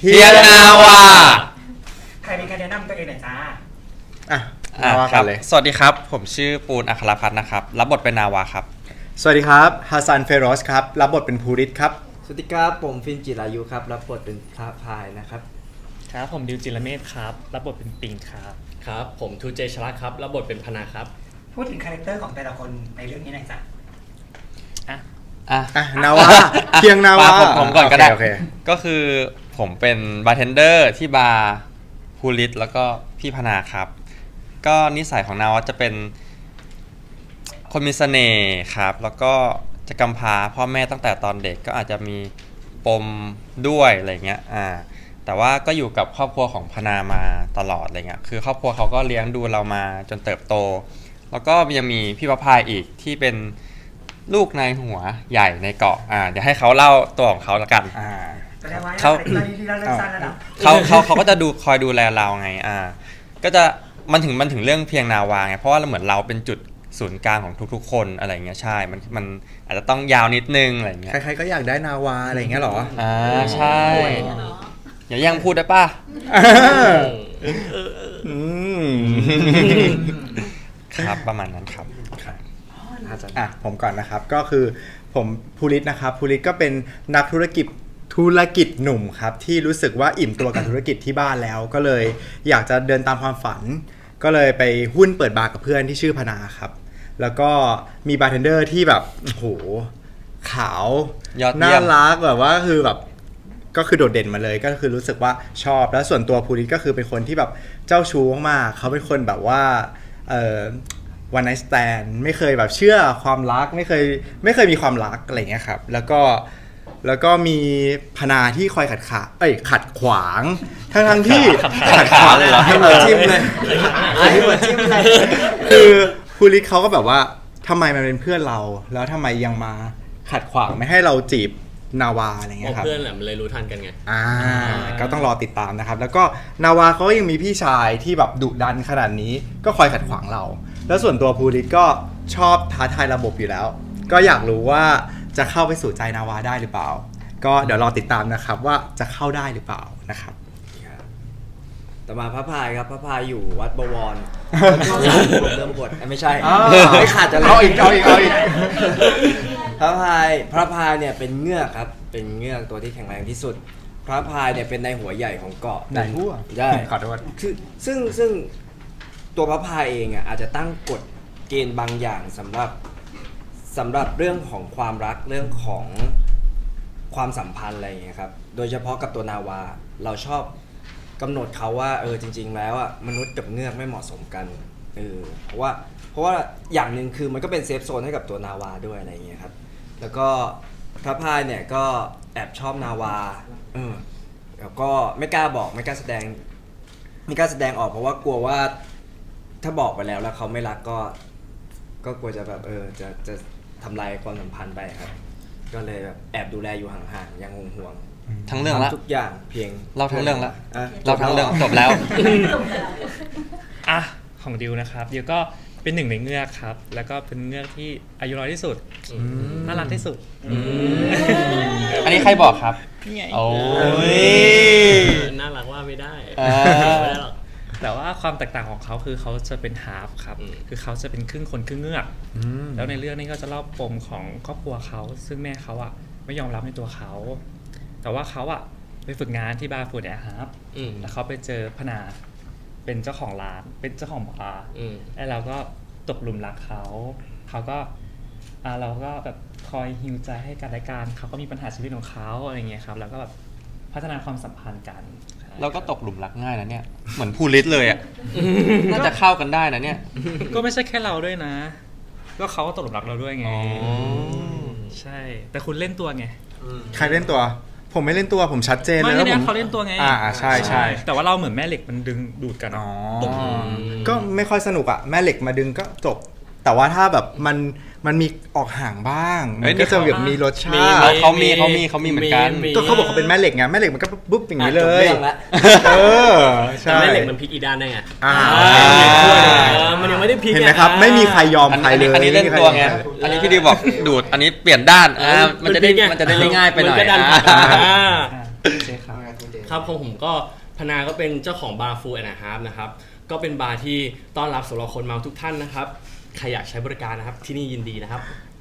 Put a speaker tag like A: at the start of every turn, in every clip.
A: เฮียนาวา
B: ใครเป็นการแนะนำตัวเองหน่อยจ้า
A: นาวาครับสวัสดีครับผมชื่อปูนอัครพัฒน์นะครับรับบทเป็นนาวาครับ
C: สวัสดีครับฮัสซันเฟโรสครับรับบทเป็นภูริศครับ
D: สวัสดีครับผมฟินจิรายุครับรับบทเป็นพระพายนะครับ
E: ครับผมดิวจิรเมธครับรับบทเป็นปิงครับ
F: ครับผมทูเจชลัดครับรับบทเป็นพนาครับ
B: พูดถึงคาแรคเตอร์ของแต่ละคนในเรื่องนี้หน่อยจ้ะ
C: นาวาเพียงนาวา
A: ผมก่อนก็ได้ก็คือผมเป็นบาร์เทนเดอร์ที่บาร์ภูริศแล้วก็พี่พนาครับก็นิสัยของนาวาจะเป็นคนมีเสน่ห์ครับแล้วก็จะกำพร้าพ่อแม่ตั้งแต่ตอนเด็กก็อาจจะมีปมด้วยอะไรเงี้ยแต่ว่าก็อยู่กับครอบครัวของพนามาตลอดอะไรเงี้ยคือครอบครัวเขาก็เลี้ยงดูเรามาจนเติบโตแล้วก็ยังมีพี่ประภายอีกที่เป็นลูกนายหัวใหญ่ในเกาะเดี๋ยวให้เขาเล่าตัวของเขาละกันเขาก็จะคอยดูแลเราไงก็จะมันถึงเรื่องเพียงนาวาไงเพราะว่าเหมือนเราเป็นจุดศูนย์กลางของทุกๆคนอะไรเงี้ยใช่มันอาจจะต้องยาวนิดนึงอะไรเงี้ย
C: ใครๆก็อยากได้นาวาอะไรเงี้ยหรอ
A: ใช่อย่าแย่งพูดได้ป่ะครับประมาณนั้นครับ
C: ผมก่อนนะครับก็คือผมภูริศนะครับภูริศก็เป็นนักธุรกิจหนุ่มครับที่รู้สึกว่าอิ่มตัวกับธุรกิจที่บ้านแล้วก็เลยอยากจะเดินตามความฝันก็เลยไปหุ้นเปิดบาร์กับเพื่อนที่ชื่อพนาครับแล้วก็มีบาร์เทนเดอร์ที่แบบโอ้โหขาวน่ารักแบบว่าคือแบบก็คือโดดเด่นมาเลยก็คือรู้สึกว่าชอบแล้วส่วนตัวภูริศก็คือเป็นคนที่แบบเจ้าชู้มากเขาเป็นคนแบบว่าone night stand ไม่เคยแบบเชื่อความรักไม่เคยมีความรักอะไรเงี้ยครับแล้วก็มีพนาที่คอยขัดขวางทั้งที่ขัดขวางเลยเหรอให้มาจิ้มเลยคือภูริศเขาก็แบบว่าทำไมมันเป็นเพื่อนเราแล้วทำไมยังมาขัดขวางไม่ให้เราจีบนาวาอะไรเงี้ยครับ
F: เพื่อนแหละมันเลยรู้ทันกันไง
C: ก็ต้องรอติดตามนะครับแล้วก็นาวาเขายังมีพี่ชายที่แบบดุดันขนาดนี้ก็คอยขัดขวางเราแล้วส่วนตัวภูริศก็ชอบท้าทายระบบอยู่แล้วก็อยากรู้ว่าจะเข้าไปสู่ใจนาวาได้หรือเปล่าก็เดี๋ยวรอติดตามนะครับว่าจะเข้าได้หรือเปล่านะครับ
D: ต่อมาพระพายครับพระพายอยู่วัดบวรเริ่มบทไม่ใช่ไม่ขาดจะ
C: เอาอีก
D: พระพายเนี่ยเป็นเงือกครับเป็นเงือกตัวที่แข็งแรงที่สุดพระพายเนี่ยเป็นนายหัวใหญ่ของเกาะ
C: นายหัว
D: ได้
C: ขอโทษ
D: คือซึ่งตัวพระพายเองอาจจะตั้งกฎเกณฑ์บางอย่างสำหรับเรื่องของความรักเรื่องของความสัมพันธ์อะไรอย่างเงี้ยครับโดยเฉพาะกับตัวนาวาเราชอบกำหนดเขาว่าจริงๆแล้วมนุษย์กับเงือกไม่เหมาะสมกันเพราะว่าอย่างหนึ่งคือมันก็เป็นเซฟโซนให้กับตัวนาวาด้วยอะไรอย่างเงี้ยครับแล้วก็พระพายเนี่ยก็แอบชอบนาวาแล้วก็ไม่กล้าบอกไม่กล้าแสดงออกเพราะว่ากลัวว่าถ้าบอกไปแล้วเขาไม่รักก็กลัวจะแบบจะทำลายความสัมพันธ์ไปครับก็เลยแบบแอบดูแลอยู่ห่างๆยังห่วง
A: ทั้งเรื่องละ
D: ทุกอย่างเพียง
A: เราทั้งเรื่องละเราทั้งเรื่องจบแล้ว
E: ของดิวนะครับดิวก็เป็นหนึ่งในเงือกครับแล้วก็เป็นเงือกที่อายุน้อยที่สุดน่ารักที่สุด
A: อันนี้ใครบอกครับ
E: นี่ไง
A: โอ้ย
F: น่ารักว่าไม่ได้หรอก
E: แต่ว่าความแตกต่างของเขาคือเขาจะเป็นฮาล์ฟครับคือเขาจะเป็นครึ่งคนครึ่งเงือกแล้วในเรื่องนี้ก็จะเล่าปมของครอบครัวเขาซึ่งแม่เขาไม่ยอมรับในตัวเขาแต่ว่าเขาไปฝึกงานที่บาร์ฟูดแอร์ฮาร์ฟแล้วเขาไปเจอพนาเป็นเจ้าของร้านเป็นเจ้าของบาร์แล้วเราก็ตกหลุมรักเขาก็เราก็แบบคอยฮีลใจให้กันและกันเขาก็มีปัญหาชีวิตของเขาอะไรเงี้ยครับแล้วก็แบบพัฒนาความสัมพันธ์กัน
A: เราก็ตกหลุมรักง่ายนะเนี่ยเหมือนภูริศเลยน่าจะเข้ากันได้นะเนี่ย
E: ก็ไม่ใช่แค่เราด้วยนะก็เขาก็ตกหลุมรักเราด้วยไงใช่แต่คุณเล่นตัวไง
C: ใครเล่นตัวผมไม่เล่นตัวผมชัดเจนเลย
E: แล้วผมเขาเล่นตัวไง
C: ใช่
E: แต่ว่าเราเหมือนแม่เหล็กมันดึงดูดกัน
C: ก็ไม่ค่อยสนุกแม่เหล็กมาดึงก็จบแต่ว่าถ้าแบบมันมีออกห่างบ้างมันก็จะแบบมีรสชาติ
A: เขามีเหมือนกัน
C: ก็เขาบอกเขาเป็นแม่เหล็กไงแม่เหล็กมันก็ปุ๊บอย่างนี้เลย
F: ใช่แม่เหล็กมันพลิกอีด้านได้ไงมันยังไม่ได้พลิก
C: เห็นไหมครับไม่มีใครยอมใครเลย
A: อันนี้เล่นตัวไงอันนี้พี่ดิวบอกดูดอันนี้เปลี่ยนด้านมันจะได้ง่ายไปหน่อย
E: ใช่ครับ
F: ครับของผมก็พนาก็เป็นเจ้าของบาร์ฟูแอนด์ฮาร์ฟนะครับก็เป็นบาร์ที่ต้อนรับสำหรับคนเมาทุกท่านนะครับใครอยากใช้บริการนะครับที่นี่ยินดีนะครับ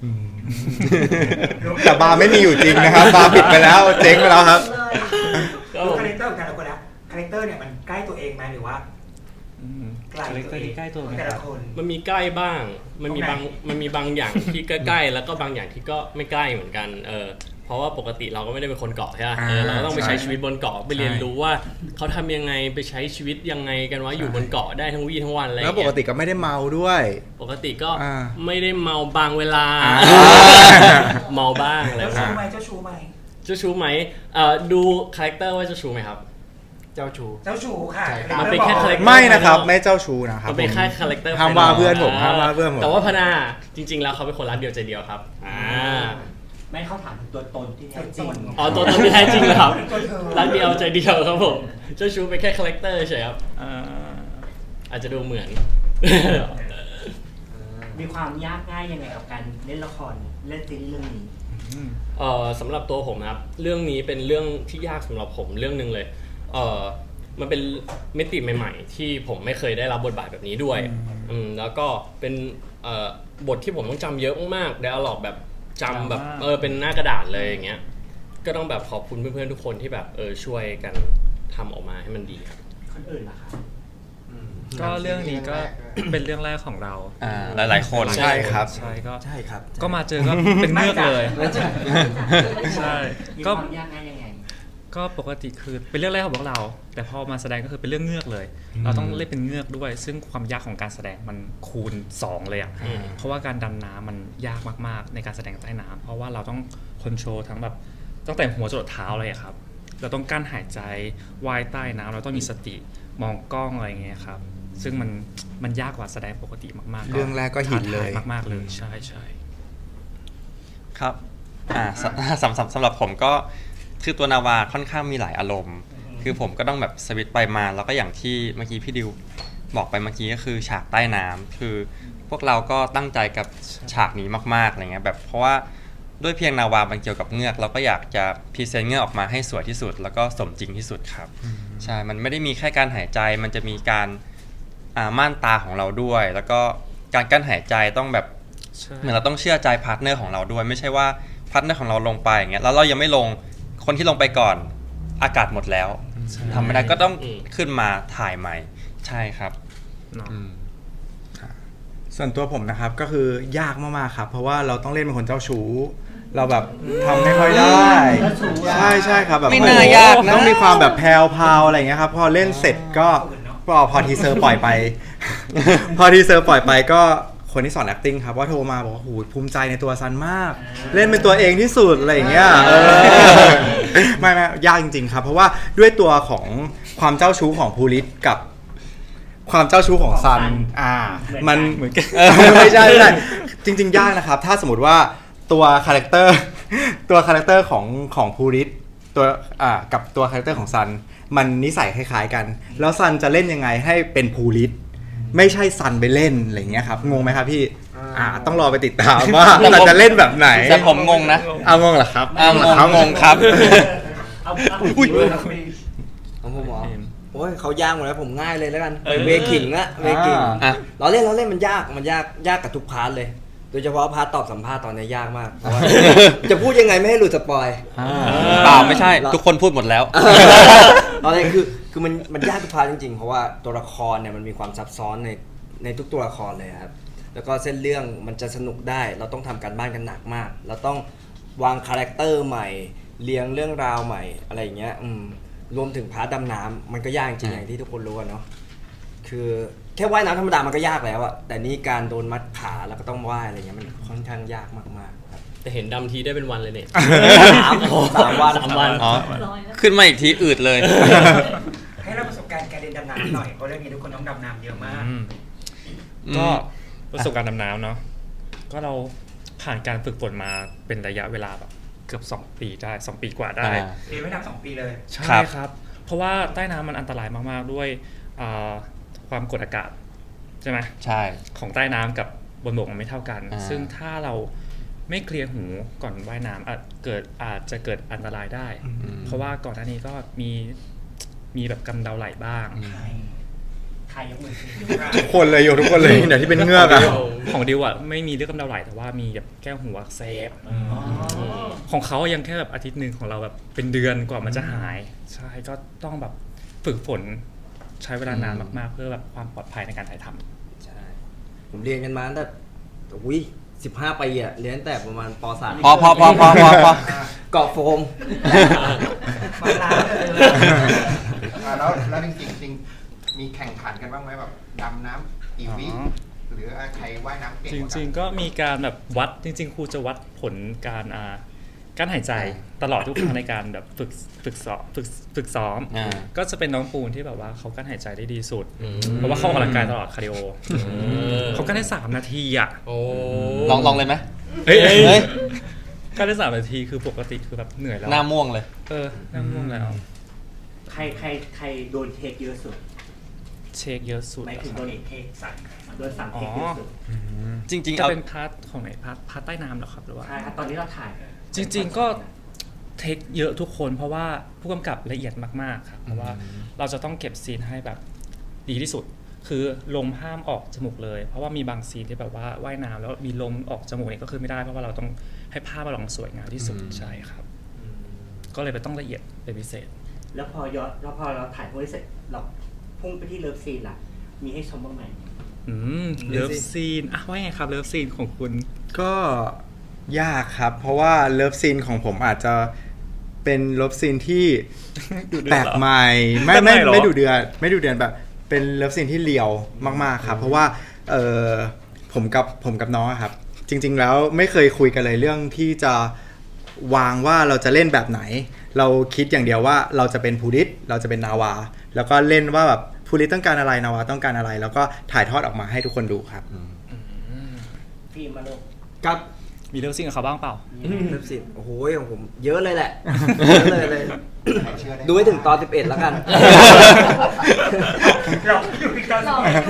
C: แต่บาร์ไม่มีอยู่จริงนะครับบาร์ปิดไปแล้วเจ๊งไปแล้วครับ
B: ดูคาแรคเตอร์ของแต่ละคนแล้วคาแรคเตอร์เนี่ยมันใกล้ตัวเองไหมหรือว่าไกลตัวเอง
E: ใกล้ตัวไหม
B: แต่
E: ครั
B: ละ
E: บ
B: คน
F: มันมีใกล้บ้าง มันมี
B: ตรงไหน
F: มันมีบางอย่างที่ใกล้ๆแล้วก็บางอย่างที่ก็ไม่ใกล้เหมือนกันเพราะว่าปกติเราก็ไม่ได้เป็นคนเกาะใช่ไหมเราก็ต้องไปใช้ชีวิตบนเกาะไปเรียนรู้ว่าเขาทำยังไงไปใช้ชีวิตยังไงกันว่าอยู่บนเกาะได้ทั้งวี่ทั้งวันอะไรอย่าง
C: แล้วป
F: เงี้
C: ก
F: ย
C: ติก็ไม่ได้เมาด้วย
F: ปกติก็
C: อ่า
F: ไม่ได้เมาบางเวลา
C: อ่า
F: เมาบ้างอะไร
B: เจ้า
F: บ้า
B: ชู้
F: ง
B: ไหมเจ้าชู้ไหม
F: เจ้าชู้ไหมดูคาแรคเตอร์ว่าเจ้าชู้ไหมครับ
D: เจ้าชู้
B: เจ้าชู้ค่ะ
F: มันเป็นแค่คาแรคเตอร์
C: ไม่นะครับไม่เจ้าชู้นะครับ
F: มันเป็นแค่คาแรคเตอร์
C: ห้ามว่าเพื่อนผมห้ามว่าเพื่อนผม
F: แต่ว่าพนาจริง ๆ แล้วเขาเป็นคนรักเดียวใจเดียวครับ
G: ไม่เข้าถามถึงตัวตนที่แท้จริง
F: อ๋อตัวตนที่แท้จริงเหรอครับ
B: ตัวเธอ
F: รักเดียวใจเดียวครับผมเจ้าชู้เป็นแค่คาแรคเตอร์เฉยครับ
E: อ่า
F: อาจจะดูเหมือน
G: มีความยากง่ายยังไงกับการเล่นละครเล่นซีรีส์เรื่องนี้
F: สำหรับตัวผมนะครับเรื่องนี้เป็นเรื่องที่ยากสำหรับผมเรื่องหนึ่งเลยมันเป็นมิติใหม่ๆที่ผมไม่เคยได้รับบทบาทแบบนี้ด้วยแล้วก็เป็นบทที่ผมต้องจำเยอะมากๆไดอะล็อกแบบจำแบบเป็นหน้ากระดาษเลยอย่างเงี้ยก็ต้องแบบขอบคุณเพื่อนๆทุกคนที่แบบช่วยกันทำออกมาให้มันดีครับ
G: คนอื่นล่ะคะ
E: ก็เรื่องนี้ก็เป็นเรื่องแรกของเรา
A: หลายๆคน
C: ใช่ครับ
E: ใช่ก็
D: ใช่ครับ
E: ก็มาเจอก็เป็นเงือกเลยใช่
G: มี
E: ก็
G: ความยากง่ายยังไง
E: ก็ปกติคือเป็นเรื่องแรกของพวกเรา แต่พอมาแสดงก็คือเป็นเรื่องเงือกเลย เราต้องเล่นเป็นเงือกด้วย ซึ่งความยากของการแสดงมันคูณ 2 เลยอ่ะเพราะว่าการดำน้ำมันยากมากๆในการแสดงใต้น้ำเพราะว่าเราต้องคอนโทรลทั้งแบบตั้งแต่หัวจรดเท้าเลยอะครับเราต้องกั้นหายใจว่ายใต้น้ำเราต้องมีสติมองกล้องอะไรอย่างเงี้ยครับซึ่งมันยากกว่าแสดงปกติมากๆ
C: เรื่องแรกก็หินเลย
E: ท้าทามากๆเลยใช่ใช่
A: ครับสำหรับผมก็คือตัวนาวาค่อนข้างมีหลายอารมณ์ คือผมก็ต้องแบบสวิตช์ไปมาแล้วก็อย่างที่เมื่อกี้พี่ดิวบอกไปเมื่อกี้ก็คือฉากใต้น้ำคือพวกเราก็ตั้งใจกับฉากนี้มากๆอะไรเงี้ยแบบเพราะว่าด้วยเพียงนาวามันเกี่ยวกับเงือกเราก็อยากจะพรีเซนต์เงือกออกมาให้สวยที่สุด แล้วก็สมจริงที่สุดครับใช่มันไม่ได้มีแค่การหายใจมันจะมีการม่านตาของเราด้วย แล้วก็การกั้นหายใจต้องแบบ เหมือนเราต้องเชื่อใจพาร์ทเนอร์ของเราด้วยไม่ใช่ว่าพาร์ทเนอร์ของเราลงไปอย่างเงี้ยแล้วเรายังไม่ลงคนที่ลงไปก่อนอากาศหมดแล้วทำไม่ได้ก็ต้องขึ้นมาถ่ายใหม่ใช่ครับ
E: เนาะ
C: ส่วนตัวผมนะครับก็คือยากมากๆครับเพราะว่าเราต้องเล่นเป็นคนเจ้าชู้เราแบบทำไม่ค่อยได้ใช่ครับแบบ
A: ไม่น่ายากนะ
C: ต้องมีความแบบแพรวพราวอะไรอย่างเงี้ยครับพอเล่นเสร็จก็พอทีเซอร์ปล่อยไป พอทีเซอร์ปล่อยไปก็คนที่สอน acting ครับว่าโทรมาบอกว่าโหภูมิใจในตัวซันมาก เล่นเป็นตัวเองที่สุดอะไรอย่างเงี้ยไม่ยากจริงๆครับเพราะว่าด้วยตัวของความเจ้าชู้ของภูริศกับความเจ้าชู้ของซันมันเหมือนกันไม่ใช่จริงๆยากนะครับถ้าสมมติว่าตัวคาแรคเตอร์ของภูริศตัวกับตัวคาแรคเตอร์ของซันมันนิสัยคล้ายๆกันแล้วซันจะเล่นยังไงให้เป็นภูริศไม่ใช่ซันไปเล่นอะไรเงี้ยครับงงไหมครับพี่ต้องรอไปติดตามว่าซันจะเล่นแบบไหน
A: แต่ผมงงนะ
C: เอางงเหรอครับ
A: งงครับ
G: อุ้ย
D: ของผมเหรอโอ้ยเขายากหมดแล้วผมง่ายเลยแล้วกันเวคิงละเวคิง
A: อ่ะ
D: เราเล่นมันยากกับทุกพาร์ทเลย โดยเฉพาะพาร์ทตอบสัมภาษณ์ตอนนี้ยากมากเพราะว่า จะพูดยังไงไม่ให้หลุดสปอย
A: เปล่าไม่ใช่ทุกคนพูดหมดแล้ว
D: ตอนนี้คือมันยากทุกพาร์ทจริงๆ เพราะว่าตัวละครเนี่ยมันมีความซับซ้อนในทุกตัวละครเลยครับแล้วก็เส้นเรื่องมันจะสนุกได้เราต้องทำการบ้านกันหนักมากเราต้องวางคาแรคเตอร์ใหม่เรียงเรื่องราวใหม่อะไรอย่างเงี้ยรวมถึงพาร์ทดำน้ำมันก็ยากจริงอย่างที่ทุกคนรู้กันเนาะคือแค่ว่ายน้ำธรรมดามันก็ยากแล้วอะแต่นี่การโดนมัดขาแล้วก็ต้องว่ายอะไรเงี้ยมันค่อนข้างยากมากๆครับ
F: แต่เห็นดำทีได้เป็นวันเลยเนี่ย
D: 3 วัน
A: อ๋อขึ้นมาอีกทีอืดเลย
B: ให้เราประสบการณ์การเรียนดำน้ำหน่อยเพราะเรื่องนี้ทุกคนต้องดำน้ำเยอะมาก
E: ก็ประสบการณ์ดำน้ำเนาะก็เราผ่านการฝึกฝนมาเป็นระยะเวลาแบบเกือบ2 ปีได้2 ปีกว่าได้
B: เรียนไม่นาน2 ปีเลย
E: ใช่ครับ เพราะว่าใต้น้ำมันอันตรายมากๆด้วยความกดอากาศใช่ไหม
A: ใช่
E: ของใต้น้ำกับบนบกมันไม่เท่ากัน ซึ่งถ้าเราไม่เคลียร์หูก่อนว่ายน้ำอาจจะเกิดอันตรายได้ เพราะว่าก่อนหน้านี้ก็มีมีแบบกำเดาไหลบ้าง
G: ใครยกมือขึ้น
C: ทุกคนเลยโยทุกคนเลยเดี๋ยวที่เป็นเงือกอะ
E: ของดิวอะไม่มีเรื่องกำเดาไหลแต่ว่ามีแบบแก้วหูอักเสบของเขายังแค่แบบอาทิตย์หนึ่งของเราแบบเป็นเดือนกว่ามันจะหายใช่ก็ต้องแบบฝึกฝนใช้เวลานานมากๆ เพื่อแบบความปลอดภัยในการถ่ายทำ
D: ใช่ผมเรียนกันมาตั้งแต่อุ้ย15 ปีอะเรียนตั้งแต่ประมาณป .3
A: พอ
D: เกาะโฟม
G: มาล้างเลย
H: แล้วจริงๆมีแข่งขันกันบ้างไหมแบบดำน้ำกี่วิหรือใครว่ายน้ำเก่ง
E: จ
H: กว่ากัน
E: ริงๆก็มีการแบบวัดจริงๆครูจะวัดผลการหายใจตลอดทุกครั้งในการแบบฝึกซ้อม ก็จะเป็นน้องปูนที่แบบว่าเขากั้นหายใจได้ดีสุด เพราะว่าเขาออกกำลังกายตลอดคาร์ดิโอเขากั้นได้3 นาทีอ่ะ
F: โอ้
A: ลองเลยไหม
E: เฮ้ย
A: เฮ้ย
E: กั้นได้3 นาทีคือปกติคือแบบเหนื่อยแล้ว
A: หน้าม่วงเลย
E: หน้าม่วงแล้ว
G: ใครโดนเทคเยอะสุด
E: เช็คเยอะสุด
G: หมายถึง
E: อะค
G: โด
E: รับ
G: นเทคสั่งโดนสั่งเทคเยอะสุด
A: จริงๆ
E: จะ
A: เอา
E: เป็นพาร์ทของไหนพาร์ทใต้น้ำเหรอครับหรือว่า
G: ใช่ครับตอนนี้เราถ่าย
E: จริงๆก็เทคเยอะทุกคนเพราะว่าผู้กำกับละเอียดมากๆครับเพราะว่าเราจะต้องเก็บซีนให้แบบดีที่สุด คือลมห้ามออกจมูกเลย เพราะว่ามีบางซีนที่แบบว่าว่ายน้ำแล้วมีลมออกจมูกเนี่ยก็คือไม่ได้เพราะว่าเราต้องให้ภาพมันออกมาสวยงามที่สุดใช่ครับ ก็เลยไปต้องละเอียดเป็นพิเศษ
G: แล้วพอเราถ่ายพวกนี้เสร็จเราพุ่งไปที่เลิฟซีนล่ะ มีให้ชมบ้างไหม
E: เลิฟซีนว่าไงครับเลิฟซีนของคุณ
C: ก็ยากครับ เพราะว่าเลิฟซีนของผมอาจจะเป็นเลิฟซีนที่
E: ดุเดือด
C: แปลกใหม่ไม่
E: แปลกใหม่เหรอ
C: ไม่ดุเดือดแบบเป็นเลิฟซีนที่เลียวมากๆครับเพราะว่าผมกับน้องอะครับ จริง ๆ แล้วไม่เคยคุยกันเลยเรื่องที่จะวางว่าเราจะเล่นแบบไหน เราคิดอย่างเดียวว่าเราจะเป็นภูริศเราจะเป็นนาวา แล้วก็เล่นว่าแบบภูริศต้องการอะไรนาวาต้องการอะไร แล้วก็ถ่ายทอดออกมาให้ทุกคนดูครับ
G: ฟิล์มมาลูก
D: ครับ
E: มีเลิฟซีนกับเขาบ้างเปล่า
D: เลิฟซีนโอ้โหของผมเยอะเลยแหละ เยอะเลย ดูให้ถึงตอน 11 แล้วกัน
G: เราอยู่ที่ตอน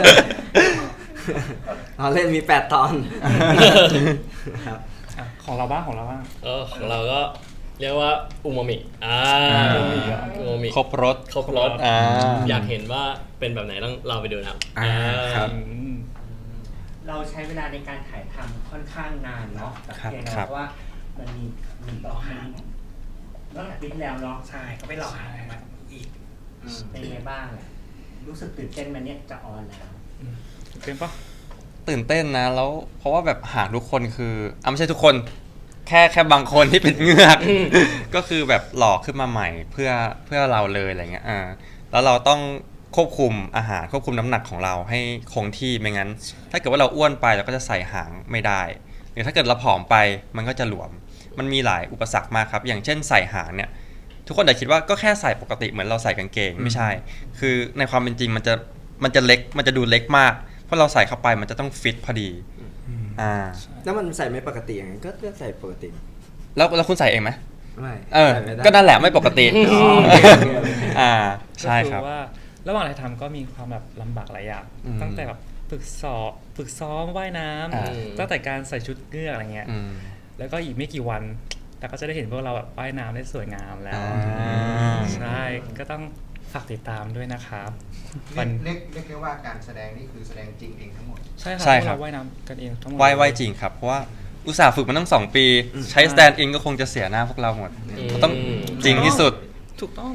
D: เราเล่นมี 8 ตอนครับ
E: ของเราบ้างของเราบ้าง
F: ของเราก็เรียกว่าอูมามิอูมามิ
A: ครบรถ
F: ครบรส อยากเห็นว่าเป็นแบบไหนต้องเราไปดูนะครับ
C: ครับ
G: เราใช้เวลาในการถ่ายทำค่อนข้างนานเนาะแต่
C: ครับ
G: เพียง
A: ครับ
G: เพราะว่ามันมีรอบนี้ตั้งแต่ปีที่แล้วเนาะใช่ก็ไปรอถ่ายมาอีกเป็นไงบ้างรู้สึกตื่นเต้นไหมันเนี่ยจะออนแล้ว
E: เป็นปะ
A: ตื่นเต้นนะแล้วเพราะว่าแบบหาทุกคนคือไม่ใช่ทุกคนแค่บางคนที่เป็นเงือก ก็คือแบบหลอกขึ้นมาใหม่เพื่อเราเลยอะไรเงี้ยแล้วเราต้องควบคุมอาหารควบคุมน้ำหนักของเราให้คงที่ไม่งั้น ถ้าเกิดว่าเราอ้วนไปเราก็จะใส่หางไม่ได้หรือถ้าเกิดเราผอมไปมันก็จะหลวมมันมีหลายอุปสรรคมากครับอย่างเช่นใส่หางเนี่ยทุกคนอาจคิดว่าก็แค่ใส่ปกติเหมือนเราใส่กางเกงไม่ใช่ คือในความเป็นจริงมันจะเล็กมันจะดูเล็กมากเพราะเราใส่เข้าไปมันจะต้องฟิตพอดี
D: แล้วมันใส่ไม่ปกติอย่างไงก็ใส่ปกติ
A: แล้วคุณใส่เองไหม
D: ไม่
A: ใส่
D: ไม่ได้
A: ก็นั่นแหละไม่ปกติ
D: โอเค
A: ใช่ครับ
E: ก็อว่าระหว่างถ่ายทำก็มีความแบบลำบากหลายอย่างตั้งแต่แบบฝึกซ้อมว่ายน้ำตั้งแต่การใส่ชุดเงือกอะไรเงี้ยแล้วก็อีกไม่กี่วันแต่ก็จะได้เห็นพวกเราแบบว่ายน้ำได้สวยงามแล้วใช่ก็ต้องฝากติดตามด้วยนะครับ
H: เรียกได้ว่าการแสดงนี่คือแสดงจริงเองทั้งหมด
E: ใช่ครับ
A: ใช่
E: พวก
A: ครับ
E: เราว่ายน้ำกันเองทั้งหมด
A: ว่ายจริงครับเพราะว่าอุตส่าห์ฝึกมาตั้ง2 ปีใช้สแตนด์อินก็คงจะเสียหน้าพวกเราหมดต้องจริงที่สุด
E: ถูกต้อง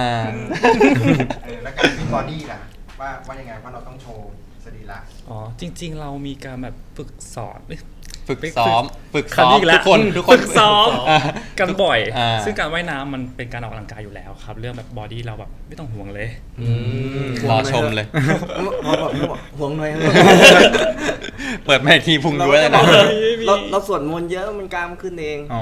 H: แล้วการฟิตบอดี้ล่ะว่ายังไงว่าเราต้องโชว์สรีระ
E: อ๋อจริง ๆ เรามีการแบบฝึกสอน
A: ฝึกซ้อม
E: คำนี้อีกแล้ว
A: ทุกคน
E: ฝึกซ้อม
A: อ่า
E: กันบ่อย
A: อ่า
E: ซึ่งการว่ายน้ำมันเป็นการออกกำลังกายอยู่แล้วครับ เรื่องแบบบอดี้เราแบบไม่ต้องห่วงเลย
A: รอชมเลย
D: พอบอกห่วงหน่อย
A: เปิดมาอีกทีพุงด้วยเลยนะ
D: เราสวดมนต์เยอะมันกล้ามขึ้นเอง
A: อ๋อ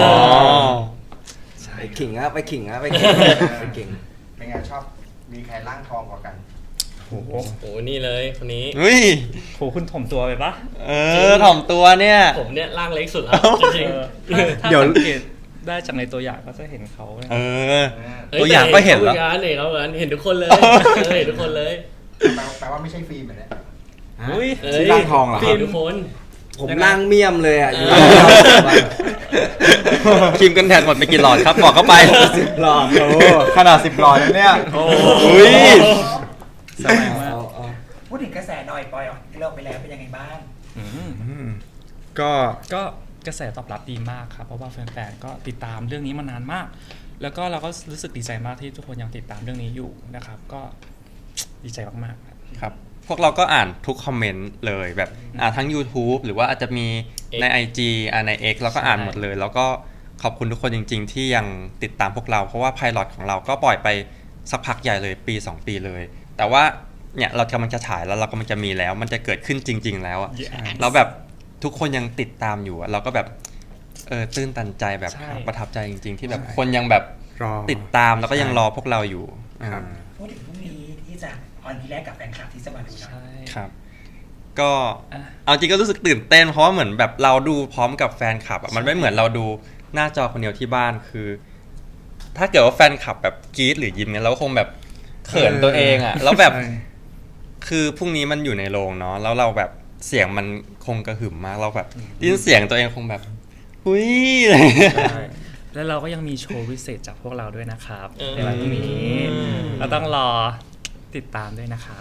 D: ไปขิงไปขิง
H: เป็นไงชอบมีใครร่างทองกว่ากัน
E: โอ้โห
F: โอ้นี่เลยคนนี้
A: เฮ้ย
E: โหคุณถ่อมตัวไปปะ
A: ถ่อมตัวเนี่ย
F: ผมเนี่ยร่างเล็กสุดแล้วจริง
E: ถ้า
C: เดี๋ยว
E: สังเกตได้จากในตัวอย่างก็จะเห็นเขา
F: ๆ
A: ตัวอย่างก็เห็นแล้ว
F: เห็นทุกคนเลยเห็นทุกคนเลย
H: แปลว่าไม่ใช่ฟิล์มเหมือนเนี่ย
E: อุ้ย
C: ชื่อร่างทองเหรอครับ
F: เห็นทุกคน
D: ผมนั่งเมี่ยมเลยอ่ะ
A: ครีมกันแดดหมดไปกี่หลอดครับบอกเข้าไป
C: หลอดโอ้ขนาด10หลอดแล้วเนี่ย
A: อุ้ย
E: แสดงว่า
B: พูดถึงกระแสหน่อยปอยออกที่เราไปแล้วเป็นยังไงบ้าง
E: อืม
C: ก็
E: ก็กระแสตอบรับดีมากครับ เพราะว่าแฟนๆก็ติดตามเรื่องนี้มานานมาก แล้วก็เราก็รู้สึกดีใจมากที่ทุกคนยังติดตามเรื่องนี้อยู่นะครับ ก็ดีใจมากๆครับ
A: ครับ พวกเราก็อ่านทุกคอมเมนต์เลยแบบทั้ง YouTube หรือว่าอาจจะมีใน IG ใน X เราก็อ่านหมดเลย แล้วก็ขอบคุณทุกคนจริง ๆ ที่ยังติดตามพวกเรา เพราะว่าไพลอตของเราก็ปล่อยไปสักพักใหญ่เลยปี 2 ปีเลย แต่ว่าเนี่ยเรากำลังจะฉายแล้วเรากำลังจะมีแล้ว มันจะเกิดขึ้นจริง ๆ แล้วอะ
E: Yes
A: แล้วแบบทุกคนยังติดตามอยู่อะเราก็แบบตื้นตันใจแบบ
E: ใช่
A: ประทับใจจริง ๆ ที่แบบคนยังแบบ
C: รอ
A: ติดตามแล้วก็ยังรอพวกเราอยู่
C: ครับ
B: พูดถึงพรุ่งนี้ที่จะออนทีแรกกับแฟนคลับที่จะมาดูเนาะ
E: ใช่
A: ครับ ก็
E: อ่ะ
A: เอาจริงก็รู้สึกตื่นเต้นเพราะว่าเหมือนแบบเราดูพร้อมกับแฟนคลับอะมันไม่เหมือนเราดูหน้าจอคนเดียวที่บ้านคือ ถ้าเกิดว่าแฟนคลับแบบกรี๊ดหรือยิ้มเนี่ยเราก็คงแบบเขินตัวเองอะแล้วแบบ
C: ใช่
A: คือพรุ่งนี้มันอยู่ในโรงเนาะแล้วเราแบบเสียงมันคงกระหึ่มมากเราแบบได้ยินเสียงตัวเองคงแบบอุ้ยอะไรอย่างเงี้ย
E: ใช่แล้วเราก็ยังมีโชว์พิเศษจากพวกเราด้วยนะครับ
F: เออ
E: ในวันพรุ่งนี้เราต้องรอติดตามด้วยนะครับ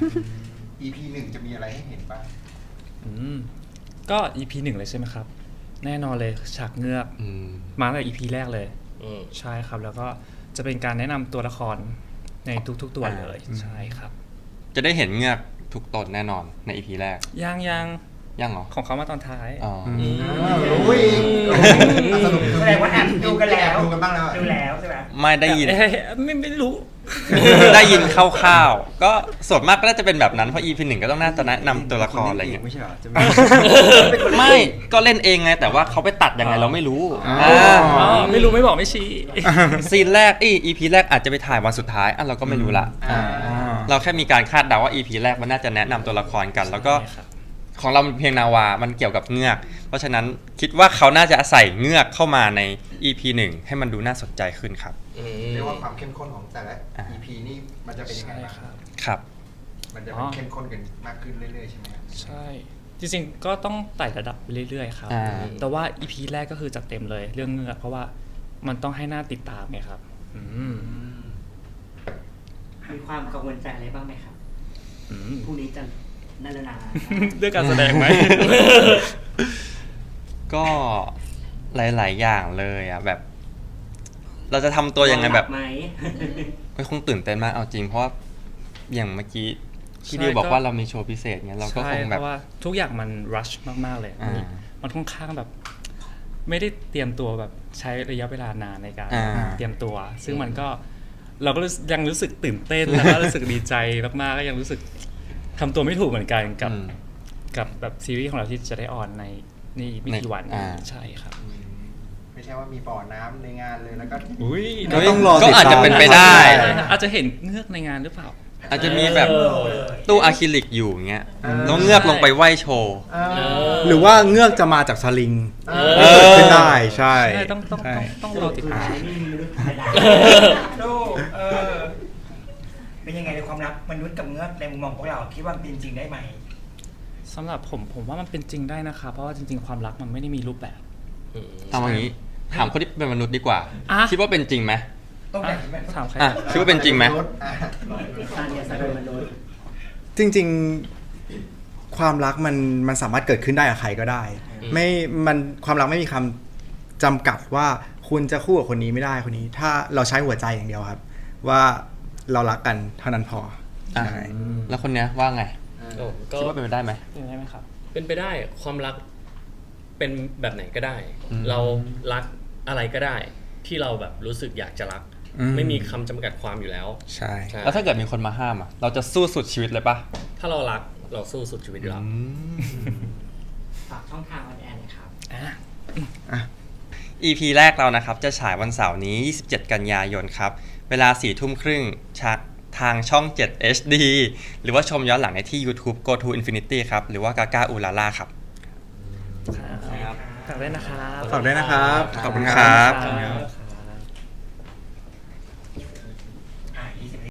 H: EP 1จะมีอะไรให้เห็นบ้าง
E: อืมก็ EP 1เลยใช่ไหมครับ แน่นอนเลยฉากเงือก
A: อืม
E: มาตั้งแต่ EP แรกเลย
F: อืม
E: ใช่ครับ แล้วก็จะเป็นการแนะนำตัวละครในทุกๆตัวเลย ใช่ครับ
A: จะได้เห็นเงือกทุกตนแน่นอนใน EP แรก
E: ยัง
A: ยังเหรอ
E: ของเขามาตอนท้าย
A: อ๋อ
H: รู้อีกสรุป
B: แสดงว่าแอบดูกันแล้ว
H: ดูกันบ้างแล้ว
B: ดูแล้วใช่ไหม
A: ไม่ได้ยิน
E: เอ๊ะไม่รู้
A: ได้ยินคร่าวๆ ก็ส่วนมากก็น่าจะเป็นแบบนั้น เพราะ EP 1ก็ต้องน่าจะแนะนำตัวละครอะไรอย่างเงี้ย
C: ไม่ใช่เหรอจะมี
A: ไม่ก็เล่นเองไง แต่ว่าเขาไปตัดยังไงเราไม่รู้
C: อ๋อ
E: อ๋อ ไม่รู้ไม่บอกไม่ชี้
A: ซีนแรกEP แรกอาจจะไปถ่ายวันสุดท้ายเราก็ไม่รู้ละ
C: อ่า
A: เราแค่มีการคาดเดาว่า EP แรกมันน่าจะแนะนำตัวละครกัน แล้วก็
E: ใช่ครับ
A: ของเรามันเพียงนาวา มันเกี่ยวกับเงือก เพราะฉะนั้นคิดว่าเขาน่าจะใส่เงือกเข้ามาใน EP 1 ให้มันดูน่าสนใจขึ้นครับ
H: เรียกว่าความเข้มข้นของแต่ละ EP นี่มันจะเป็นยังไง
E: ใช่
H: บ้าง
E: ครับ
A: ครับ
H: มันจะเป็นเข้มข้นกันมากขึ้นเรื่อยๆใช่ไหมครับ
E: ใช่ จริงๆ ก็ต้องไต่ระดับไปเรื่อยๆ ครับ
A: อ่า
E: แต่ว่า EP แรกก็คือจัดเต็มเลยเรื่องเงือก เพราะว่ามันต้องให้หน้าติดตามไงครับ อืม
G: มีความกังวลใจอะไรบ้างไหมครับ
E: อืม
G: พรุ่งนี้จะนั่นแล้วนะ
E: เรื่องการแสดงไหม
A: ก็หลาย ๆ อย่างเลยอ่ะแบบ เราจะทำตัวยังไงแบบ
G: ไหม
A: ไม่คงตื่นเต้นมากเอาจริง เพราะว่าอย่างเมื่อกี้ที่
E: ใช่
A: ดิวบอก
E: ก็
A: ว่าเรามีโชว์พิเศษเงี้ยเราก็
E: ใช่
A: คง
E: เพ
A: แบบ
E: ราะว่าทุกอย่างมันรัชมากๆเลย
A: อ่า
E: มันค่อนข้างแบบ ไม่ได้เตรียมตัวแบบใช้ระยะเวลานานในการ
A: อ่า
E: เตรียมตัว ซึ่งมันก็เราก็ยังรู้สึกตื่นเต้น แล้วก็รู้สึกดีใจมากๆก็ยังรู้สึกทำตัวไม่ถูกเหมือนกันกับ
A: อืม
E: กับแบบซีรีส์ของเราที่จะได้ออนในนี่ไม่กี่วัน
A: อ่า
E: ใช่ครับ
H: ไม่ใช่ว่ามีบ่อน้ำในงานเลยแล้วก็
E: อุ้ย
C: ก็ต้องรอ
A: ก็อาจจะเป็นไปได้
E: อาจจะเห็นเงือกในงานหรือเปล่า
A: อาจจะมีแบบ
B: เออ
A: ตู้อะคริลิกอยู่เงี้ยแล้วเงือกลงไปไหว้โชว์
C: หรือว่าเงือกจะมาจากสลิง
A: เออ
C: เกิดขึ้นได้ใช่
E: ใช่ต้องรอติดตาม
G: ไม่มีมนุษย์ธรรมดา
B: ดูเป็นยังไงในความรักมนุษย์กับเงือกในมุมมองพวกเราคิดว่ามันเป็นจริงได้ไหม
E: สำหรับผมว่ามันเป็นจริงได้นะคะเพราะว่าจริงๆความรักมันไม่ได้มีรูปแบบ
A: เอาอย่างนี้ ถามคนที่เป็นมนุษย์ดีกว่า
E: อ่ะ
A: คิดว่าเป็นจริงไหม
B: ต้องแบ่งเป็น
E: ถามใคร
A: อ่ะคิดว่าเป็นจริงไหม
H: อ่ะ
G: ทางเดียสะดุดมนุษย์
C: จริงๆความรักมันสามารถเกิดขึ้นได้กับใครก็ได้ ไม่มันความรักไม่มีคำจำกัดว่าคุณจะคู่กับคนนี้ไม่ได้คนนี้ ถ้าเราใช้หัวใจอย่างเดียวครับ ว่าเรารักกันเท่านั้นพอ
A: อ่ะ
C: ใช่
A: แล้วคนเนี้ยว่าไง
F: ก็
A: คิดว่าเป็นไปได้ไหม
E: เป็นได้ไหมครับ
F: เป็นไปได้ความรักเป็นแบบไหนก็ได้
A: อืม
F: เรารักอะไรก็ได้ ที่เราแบบรู้สึกอยากจะรัก ไม่มีคำจำกัดความอยู่แล้ว
C: ใช่
F: ใช่
A: แล้วถ้าเกิดมีคนมาห้ามอ่ะ เราจะสู้สุดชีวิตเลยปะ
F: ถ้าเรารักเราสู้สุดชีวิตอยู่แล้ว
G: ฝากช่องทางออนแอร์หน่อยครับ
A: EP แรกเรานะครับ จะฉายวันเสาร์นี้ 27 กันยายนครับ เวลา 4 ทุ่มครึ่งทางช่อง 7 HD หรือว่าชมย้อนหลังได้ที่ YouTube Go to Infinity ครับ หรือว่ากาก้าอูลาล่าครับ
E: ฝากด้วยนะครับ
C: ฝากด้วยนะครับ
A: ขอบคุณครับ
E: ครับ